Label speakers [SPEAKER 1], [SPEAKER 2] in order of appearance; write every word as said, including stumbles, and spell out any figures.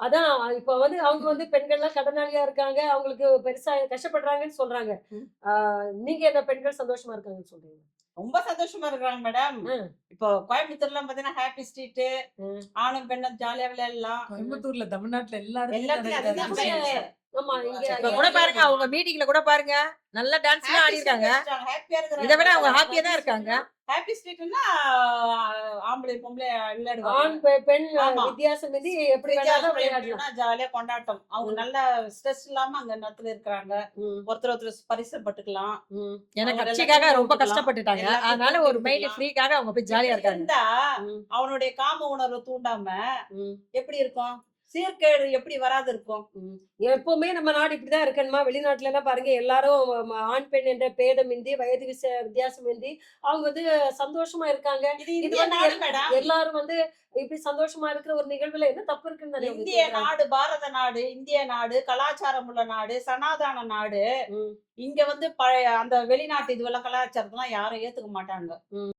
[SPEAKER 1] அதான் இப்ப வந்து அவங்க வந்து பெண்கள்லாம் கடனாளியா இருக்காங்க. அவங்களுக்கு பெருசா கஷ்டப்படுறாங்கன்னு சொல்றாங்க.
[SPEAKER 2] ம்.
[SPEAKER 1] ஆ நீங்க என்ன பெண்கள் சந்தோஷமா இருக்காங்கன்னு சொல்றீங்க?
[SPEAKER 2] ரொம்ப சந்தோஷமா இருக்கிறாங்க மேடம்.
[SPEAKER 1] ம்.
[SPEAKER 2] இப்போ கோயம்புத்தூர்லாம் பார்த்தீங்கன்னா, ஹேப்பி ஸ்ட்ரீட்டு
[SPEAKER 1] ம்.
[SPEAKER 2] ஆணும், பெண்ணும் ஜாலியா விளையாடலாம்.
[SPEAKER 3] கோயம்புத்தூர்ல, தமிழ்நாட்டுல எல்லா இடத்துலயும்
[SPEAKER 2] எல்லாத்துலயும்
[SPEAKER 3] நடக்குது
[SPEAKER 2] அதுதான்
[SPEAKER 3] அந்த
[SPEAKER 1] இங்க
[SPEAKER 3] விஷயம்.
[SPEAKER 2] ஃபேமஸ்.
[SPEAKER 1] ஆமா இங்க
[SPEAKER 4] இப்ப
[SPEAKER 1] எ
[SPEAKER 4] கூட
[SPEAKER 1] எ
[SPEAKER 4] பாருங்க, அவங்க மீட்டிங்ல கூட பாருங்க, நல்ல டான்ஸ்லாம்
[SPEAKER 2] ஹேப்பி ஸ்ட்ரீட்
[SPEAKER 4] ஆடியிருக்காங்க.
[SPEAKER 2] வச்சுட்டாங்க. ஹேப்பியா
[SPEAKER 4] இத விட அவங்க
[SPEAKER 2] இருக்கிறாங்க.
[SPEAKER 4] ஹாப்பியா தான் இருக்காங்க.
[SPEAKER 2] ஹேப்பி ஸ்ட்ரீட்னா ஆம்பளை, பொம்பளை
[SPEAKER 1] ஆண்,
[SPEAKER 2] விளையாடுவாங்க.
[SPEAKER 1] பெ பெண்
[SPEAKER 2] ஆமா.
[SPEAKER 1] வித்தியாசம் இன்றி எப்படி வேணாலும்
[SPEAKER 2] வித்தியாசம்
[SPEAKER 1] விளையாடலாம்.
[SPEAKER 2] எப்படின்னா ஜாலியா கொண்டாட்டம். அவங்க
[SPEAKER 1] ம்.
[SPEAKER 2] நல்ல ஸ்ட்ரெஸ் இல்லாம அங்க இடத்துல இருக்கிறாங்க.
[SPEAKER 1] ம்.
[SPEAKER 2] ஒருத்தர் ஒருத்தர் பரிசப்பட்டுக்கலாம்.
[SPEAKER 1] ம்.
[SPEAKER 4] ஏன்னா
[SPEAKER 2] அவங்க
[SPEAKER 4] கட்சிக்காக
[SPEAKER 2] எல்லாத்தையும்
[SPEAKER 4] ரொம்ப
[SPEAKER 2] விட்டுக்கலாம்.
[SPEAKER 4] கஷ்டப்பட்டுட்டாங்க.
[SPEAKER 2] எல்லாத்தையும்
[SPEAKER 4] அதனால
[SPEAKER 2] தூக்கி
[SPEAKER 4] ஒரு மைண்ட்
[SPEAKER 2] விட்டுக்கலாம்.
[SPEAKER 4] ஃப்ரீக்காக அவங்க போய் ஜாலியா
[SPEAKER 2] இப்படி
[SPEAKER 4] இருக்காங்க.
[SPEAKER 2] இருந்தா
[SPEAKER 1] ம்.
[SPEAKER 2] அவனுடைய காம உணர்வு தூண்டாம
[SPEAKER 1] ம்.
[SPEAKER 2] எப்படி இருக்கும்? சீர்கேடு எப்படி வராது இருக்கும்?
[SPEAKER 1] ம். எப்பவுமே நம்ம நாடு இப்படிதான் இருக்கணுமா? வெளிநாட்டுல எல்லாம் பாருங்க எல்லாரும் ம ஆண், பெண் என்ற பேதமின்றி, வயது விச வித்தியாசமின்றி அவங்க வந்து சந்தோஷமா இருக்காங்க.
[SPEAKER 2] இது
[SPEAKER 1] இது
[SPEAKER 2] இந்திய
[SPEAKER 1] வந்து
[SPEAKER 2] நாடு
[SPEAKER 1] எல்
[SPEAKER 2] மேடம்.
[SPEAKER 1] எல்லாரும் வந்து இப்படி சந்தோஷமா இருக்கிற ஒரு நிகழ்வுல என்ன தப்பு இருக்குன்னு தானே அவங்க
[SPEAKER 2] இந்திய
[SPEAKER 1] கேக்குறாங்க.
[SPEAKER 2] நாடு, பாரத நாடு, இந்திய நாடு, கலாச்சாரம் உள்ள நாடு, சனாதன நாடு.
[SPEAKER 1] ம்.
[SPEAKER 2] இங்க வந்து பழைய அந்த வெளிநாட்டு இதுவெல்லாம் கலாச்சாரத்தெல்லாம் யாரும் ஏத்துக்க மாட்டாங்க.
[SPEAKER 1] ம்.